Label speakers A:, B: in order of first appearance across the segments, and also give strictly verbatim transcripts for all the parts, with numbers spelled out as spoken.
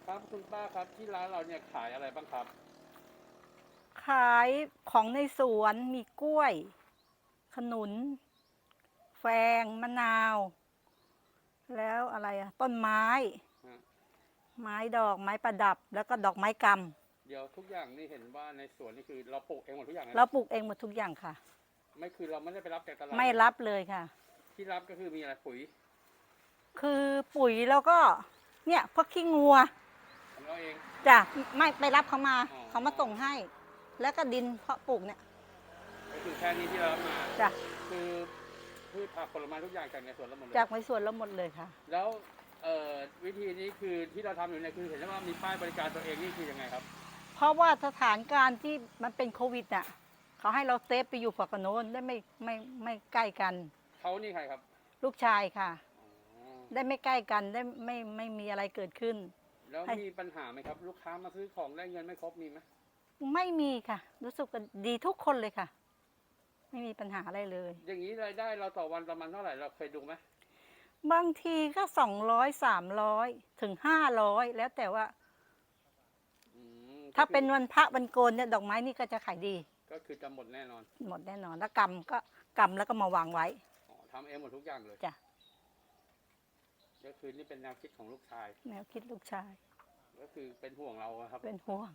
A: ครับคุณป้าครับที่ร้านเราเนี่ยขายอะไรบ้างครับ
B: ขายของในสวนมีกล้วย ขนุน แฟงมะนาว แล้วอะไรอะต้นไม้
A: ฮะ
B: ไม้ดอกไม้ประดับ แล้วก็ดอกไม้ก
A: เดี๋ยวทุกอย่างนี่เห็นว่าในสวนนี่คือเราปลูกเองหมดทุกอย่างเล
B: ำ
A: ยเหรอ
B: เราปลูกเองหมดทุกอย่างค่ะ
A: ไม่คือเราไม่ได้ไปรับจากตลาด
B: ไม่
A: นะ
B: รับเลยค่ะ
A: ที่รับก็คือมีอะไรปุ๋ย
B: คือปุ๋ยแล้วก็เนี่ยพวกขี้งัว
A: ของเราเอง
B: จ้ะไม่ไปรับเขามา
A: อ๋อ
B: เขามาส่งให้ แล้วก็ดินเพาะปลูกเนี่ย
A: ก็คือแค่นี้ที่เรารับมา
B: จ้ะ
A: คือพืชผักผลไม้ทุกอย่างจากในสวนเราหมดเลย
B: จากในสวนเราหมดเลยค่ะ
A: แล้วเอ่อวิธีนี้คือที่เราทำอยู่เนี่ยคือเห็นว่ามีป้ายบริการตัวเองนี่คือยังไงครับ
B: เพราะว่าสถานการณ์ที่มันเป็นโควิดน่ะเขาให้เราเซฟไปอยู่ฝั่งโน้นได้ไม่ไม่ไม่ใกล้กัน
A: เขานี่ใครครับ
B: ลูกชายค่ะ
A: อ๋อ
B: ได้ไม่ใกล้กันได้ไม่ไม่มีอะไรเกิดขึ้น
A: แล้วมีปัญหาไหมครับ ลูกค้ามาซื้อของได้เงินไม่ครบมีไหม
B: ไม่มีค่ะ รู้สึกว่าดีทุกคนเลยค่ะ ไม่มีปัญหาอะไรเลย
A: อย่างนี้รายได้เราต่อวันประมาณเท่าไหร่เราเคยดูไหม
B: บางทีก็สองร้อยสามร้อยถึงห้าร้อยแล้วแต่ว่า
A: อืม
B: ถ้าเป็นวันพระวันโกนเนี่ยดอกไม้นี่ก็จะขายดี
A: ก็คือจะหมดแน่นอน
B: หมดแน่นอนแล้วกำก็กำแล้วก็มาวางไว้
A: อ๋อทำเองหมดทุกอย่างเลย
B: จ้ะ
A: ก็คือนี่เป็นแนวคิดของลูกชาย
B: แนวคิดลูกชาย
A: ก็คือเป็นห่วงเราอะครับ
B: เป็นห่วง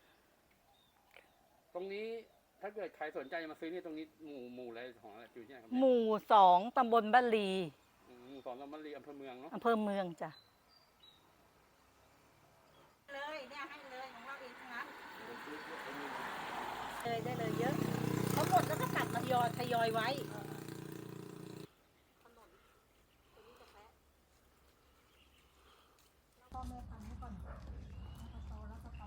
A: ตรงนี้ถ้าเกิดใครสนใจจะมาซื้อนี่ตรงนี้หมู่หมู่อะไรของอะไรอยู่ที่ไหนครับ
B: ห
A: เนี่ย
B: มู่สองตำบลบ้านลี
A: อืมหมู่สองตำบลลีอำเภอเมืองเนาะ
B: อำเภอเมืองจ้ะเลยเนี่ยให้เลยของเราเองทั้งนั้นเลยได้เลยเยอะพอหมดแล้วก็ตัดทยอยทยอยไว้พ่อแม่ทำให้ก่อนแล้วก็โตแล้วก็โต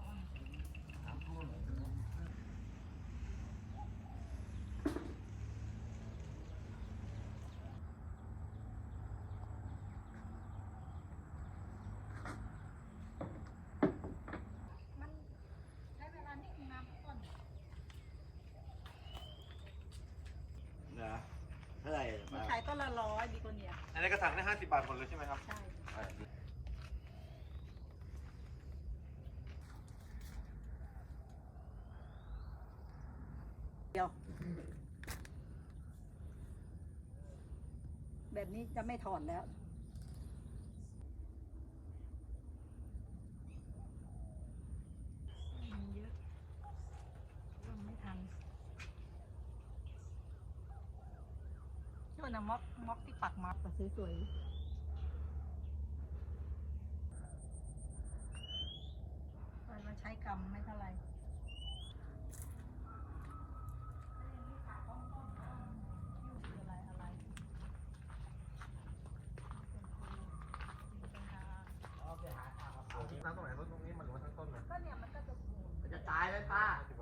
B: มันใช้เวลานิดนึงนะก่อน
C: เหรอเท่าไหร่
B: มันขายต้นละร้อยดีกว่าเนี่ย
C: อันนี้กระถางได้ห้าสิบบาทหมดเลยใช่ไหมครับ
B: ใช่เดียวแบบนี้จะไม่ถอนแล้วมันเยอะทำไม่ทันช่วยนะม็อกม็อกที่ปักมัดแต่สวยๆมันใช้กรรมไม่เท่าไหร่อะไรอะไร
C: น้ำตรงไหนต้นตรงนี้มันหรือว่าทั้งต้นเลย
B: ก็เนี่ยมันก็จะ
C: มันจะตายไหมป้า